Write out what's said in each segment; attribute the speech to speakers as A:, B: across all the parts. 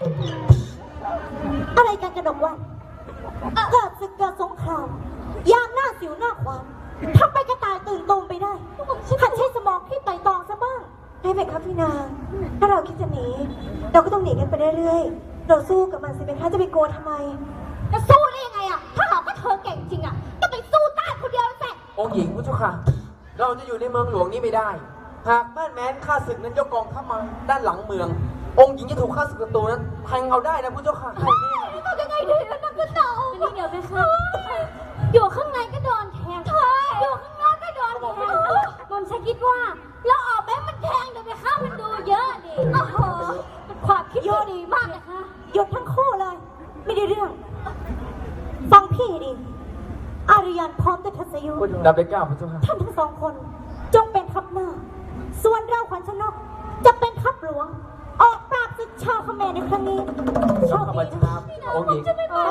A: อะไรกันกระดกวันเกิดศึกเกิดสงครามยามหน้าสิวหน้าขวานทำไปกระต่ายตื่นตูมไปได้หัดใช้สมองที่ไต่ตองซะบ้างให้เป็นครับพี่นางถ้าเราคิดจะหนีเราก็ต้องหนีกันไปเรื่อยๆเราสู้กับมันสิเป็นคะจะไปกลัวทำไมจะสู้ได้ยังไงอะถ้าเราก็เธอเก่งจริงอะก็ไปสู้ต้านคนเดียวสิ
B: องค์หญิงพระเจ้าค่ะเราจะอยู่ในเมืองหลวงนี้ไม่ได้หากแม่แม้นข้าศึกนั้นยกกองเข้ามาด้านหลังเมืององค์หญิงจะถูกข้าศึกศัตรูนั้นแทงเอาได้นะพระเจ้าค่ะ
A: ทำยังไงดีแล้วนักก็เต่านี่เดี๋ยวไปค่ะอยู่ข้างในก็โดนแทงอยู่ข้างนอกก็โดนแทงผมฉันคิดว่าเราออกไปมันแทงเดี๋ยวไปข้ามันดูเยอะดิโอ้โหความคิดดีมากนะคะหยุดทั้งคู่เลยไม่ได้เรื่องฟังพี่ดิอารยันพร้อมด้วยทัศยุ
B: ดับเบิลเก้าพระเจ้าค่ะ
A: ท่านทั้งสองคนจงเป็นทัพหน้าส่วนเราขวัญชนกจะเป็นทัพหลวงออกปราบศึกชาวเขมรในครั้งนี้
B: โชคดีนะองค์หญิง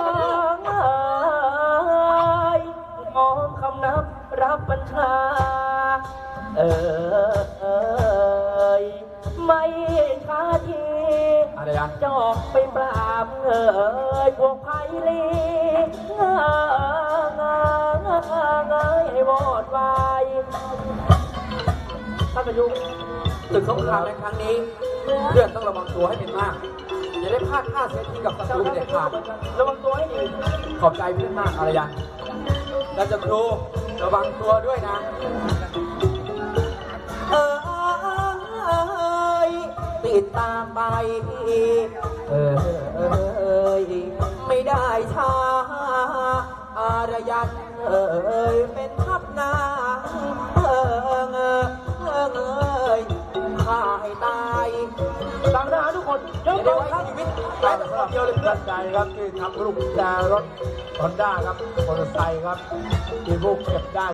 B: มองคำนับรับบัญชาไม่ช้าทีอะไรอ่ะจอกไปปราบพวกไพลีให้วอดวายท่านประยุกต์ศึกสงครามในครั้งนี้เพื่อนต้องระวังตัวให้เป็นมากอย่าได้พลาดท่าเสียทีกับศัตรูเด็ดขาดระวังตัวให้ดีขอบใจเพื่อนมากอารยันแล้วจะครูระวังตัวด้วยนะติดตามไปไม่ได้ช้าอารยันเป็นทัพนางข้าให้ตายตามทหารทุกคนยกกองทัพชีวิตตายแต่เดียวเลยเพื่อนใจครับที่ทำลูกแจรถฮอนด้าครับมอเตอร์ไซค์ครับที่พวกเก็บได้